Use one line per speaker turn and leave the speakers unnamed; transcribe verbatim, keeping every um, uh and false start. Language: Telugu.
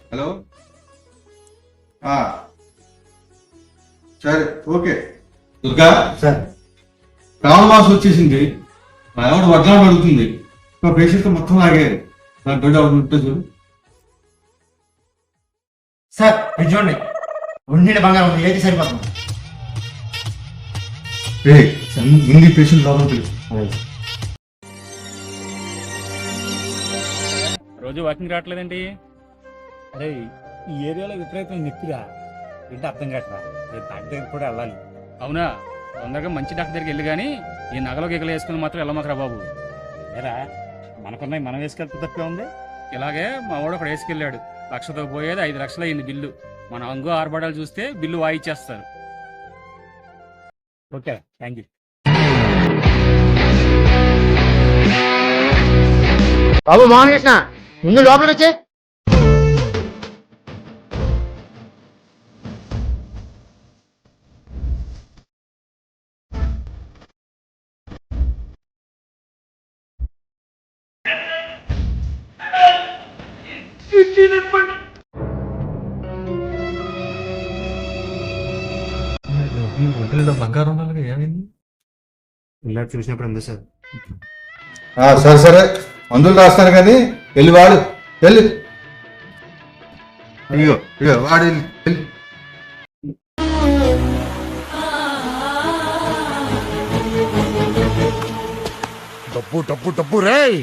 హలో సరే ఓకే. దుర్గా
సార్
శ్రావణ మాసం వచ్చేసింది. మా ఆవిడ వడ్లాడు అడుగుతుంది. మా పేషెంట్ మొత్తం లాగారు. నాకు బిడ్డ ఉంటుంది చూడు.
సార్ ఇది చూడండి, ఉండి బంగారం ఉంది, ఏది సరిపోతుంది.
ఏ ఇంది పేషెంట్ లోపల పిలుసు.
రోజు వాకింగ్ రావట్లేదండి?
అరే ఈ ఏరియాలో విపరీతం నెప్పిరా, ఏంటి అర్థం కావట్రా. రేపు డాక్టర్ దగ్గర కూడా వెళ్ళాలి.
అవునా? తొందరగా మంచి డాక్టర్ దగ్గరికి వెళ్ళి కానీ ఈ నగలో గిగలు వేసుకుని మాత్రం వెళ్ళమాకరా బాబు.
ఏరా మనకున్నాయి మనం వేసుకెళ్తే తప్పే ఉంది.
ఇలాగే మా వాడు ఒకడు వేసుకెళ్ళాడు. లక్షతో పోయేది ఐదు లక్షలు అయింది బిల్లు. మన అంగు ఆర్భడాలు చూస్తే బిల్లు వాయిచ్చేస్తారు.
Okay thank you.
బాబు మోహన్ కృష్ణ, ముందు లోపలికి వచ్చే.
ఒంటరిలో బంగారం ఉండాలి, ఏమైంది?
ఇలా చూసినప్పుడు ఉంది సార్.
సరే సరే మందులు రాస్తాను కానీ వెళ్ళి వాడు వెళ్ళి. అయ్యో అయ్యో వాడు వెళ్ళి వెళ్ళి.
డబ్బు డబ్బు డబ్బు రే.